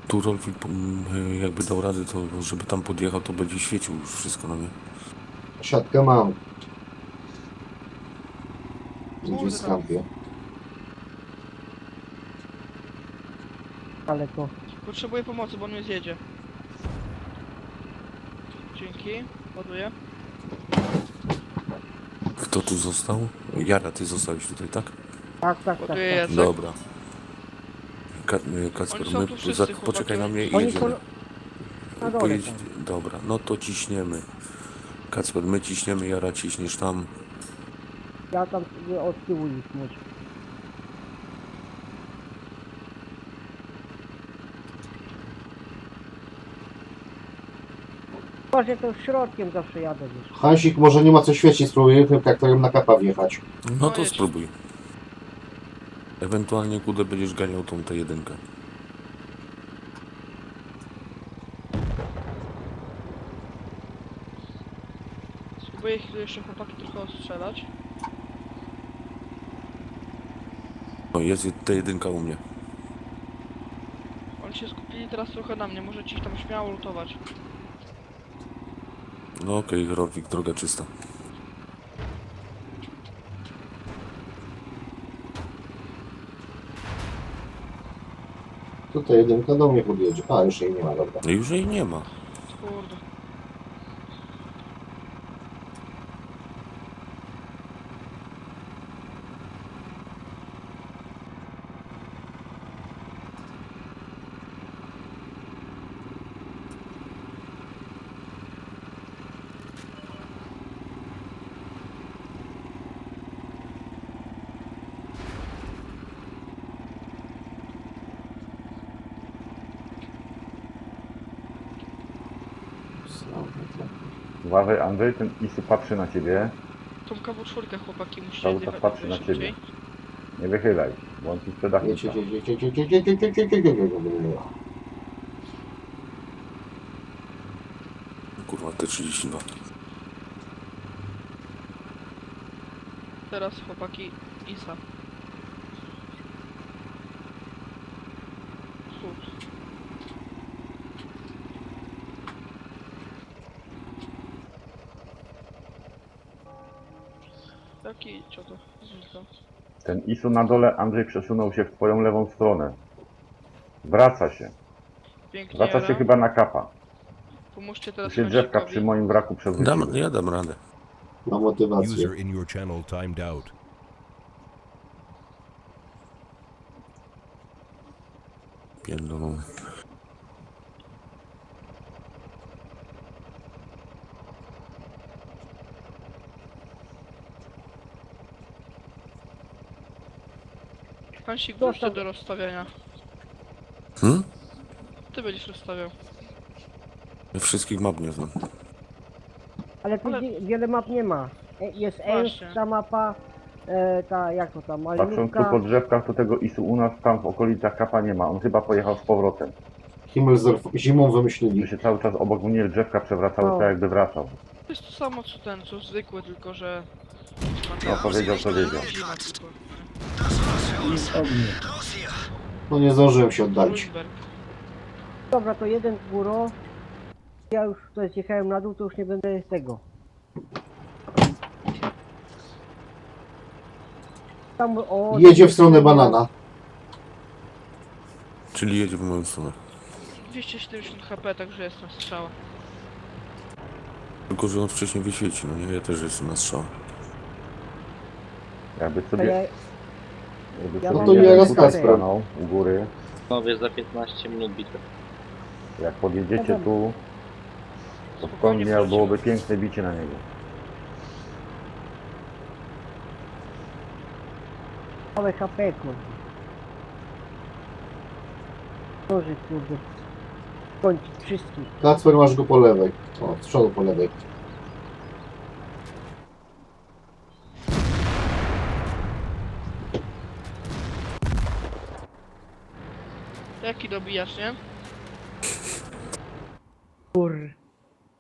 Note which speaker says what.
Speaker 1: Tu Rolfik jakby dał radę, to żeby tam podjechał, to będzie świecił już wszystko na mnie.
Speaker 2: Siatkę mam. Gdzieś
Speaker 3: Kurde tam.
Speaker 2: skampię.
Speaker 4: Ale to
Speaker 3: Potrzebuję pomocy, bo on mnie zjedzie. Dzięki. Ładuję.
Speaker 1: Kto tu został? Jara, ty zostałeś tutaj, tak?
Speaker 4: tak.
Speaker 3: Ładuję Jacek.
Speaker 1: Dobra. Kacper,
Speaker 3: Oni są tu wszyscy, chłopaki,
Speaker 1: poczekaj na mnie i
Speaker 4: oni są
Speaker 1: jedziemy.
Speaker 4: na dole
Speaker 1: Pojedź,
Speaker 4: tam.
Speaker 1: dobra, no to ciśniemy. Kacper, my ciśniemy, Jara ciśniesz tam.
Speaker 4: Ja tam sobie od tyłu ich muszę. Właśnie to środkiem zawsze jadę, wiesz.
Speaker 2: Hansik, może nie ma co świecić, spróbujemy tym traktorem na kapa wjechać.
Speaker 1: No to
Speaker 3: jedź.
Speaker 1: spróbuj. Ewentualnie kudę będziesz ganiał tą T1.
Speaker 3: Spróbuję ich tu jeszcze chłopaki trochę ostrzelać.
Speaker 1: No jest T1 u mnie.
Speaker 3: Oni się skupili teraz trochę na mnie, możecie ich tam śmiało lutować.
Speaker 1: No okej, Rolfik, droga czysta.
Speaker 2: Tutaj jedynka do mnie podjedzie. A, już jej nie ma, dobra.
Speaker 1: No już jej nie ma.
Speaker 3: Kurde.
Speaker 5: Uważaj, Andrzej, ten Isu patrzy na ciebie.
Speaker 3: Tą KW4 chłopaki musicie
Speaker 5: Cały czas patrzy na ciebie. Nie wychylaj, bo on ci sprzeda
Speaker 2: Jedź,
Speaker 5: klucza.
Speaker 1: Kurwa, T32.
Speaker 3: Teraz chłopaki Isa. Cud. Taki co to? Znika.
Speaker 5: Ten Isu na dole, Andrzej, przesunął się w twoją lewą stronę. Wraca się.
Speaker 3: Pięknie.
Speaker 5: Wraca się
Speaker 3: Jara.
Speaker 5: chyba na kapa.
Speaker 3: Pomóżcie
Speaker 5: Tu
Speaker 3: teraz
Speaker 5: się drzewka
Speaker 3: Hansikowi.
Speaker 5: przy moim wraku przewróciły.
Speaker 1: Ja dam radę.
Speaker 2: Ma motywację.
Speaker 6: User in your channel timed out.
Speaker 1: Pierdolą.
Speaker 3: Hansik, wróć to do rozstawiania.
Speaker 1: Hmm?
Speaker 3: Ty będziesz rozstawiał.
Speaker 1: Ja wszystkich map nie znam.
Speaker 4: Ale tu
Speaker 3: Ale-
Speaker 4: wiele map nie ma. Jest
Speaker 3: Właśnie.
Speaker 4: ta mapa, ta jak to tam,
Speaker 5: Patrząc tu
Speaker 4: maliniówka.
Speaker 5: po drzewkach, to tego Isu u nas tam w okolicach kapa nie ma. On chyba pojechał z powrotem.
Speaker 2: Himmelsdorf zimą
Speaker 5: Tu
Speaker 2: wymyślili.
Speaker 5: się cały czas obok mnie drzewka przewracały,
Speaker 4: No.
Speaker 5: tak jakby wracał.
Speaker 3: To jest to samo co ten, co zwykły, tylko że...
Speaker 5: No powiedział, co wiedział.
Speaker 3: Zima tylko.
Speaker 2: No nie zdążyłem się oddalić.
Speaker 3: Lundberg.
Speaker 4: Dobra, to jeden góro. Ja już tutaj zjechałem na dół, to już nie będę tego. Tam, o,
Speaker 2: Jedzie w stronę banana.
Speaker 1: Czyli jedzie w moją stronę.
Speaker 3: 270 HP, także jest na strzała.
Speaker 1: Tylko, że on wcześniej wyświeci, no nie? Ja też jestem na strzał.
Speaker 5: Jakby
Speaker 4: A
Speaker 5: sobie...
Speaker 4: ja,
Speaker 5: Jakby
Speaker 4: Ja
Speaker 5: sobie
Speaker 4: mam- to nie
Speaker 5: jeden
Speaker 2: raz
Speaker 5: tutaj
Speaker 2: Kacper.
Speaker 5: stanął u góry.
Speaker 7: Panowie za 15 minut bitwy.
Speaker 5: Jak podjedziecie
Speaker 4: Dobra.
Speaker 5: tu, to
Speaker 3: Spokojnie
Speaker 5: stąd miał, byłoby
Speaker 3: wrócimy.
Speaker 5: piękne bicie na niego.
Speaker 4: małe HP, kurde. Może, kurde. Kończyć wszystkich.
Speaker 2: Kacper, masz go po lewej. O, z przodu po lewej.
Speaker 3: Jaki dobijasz, nie?
Speaker 4: Kur.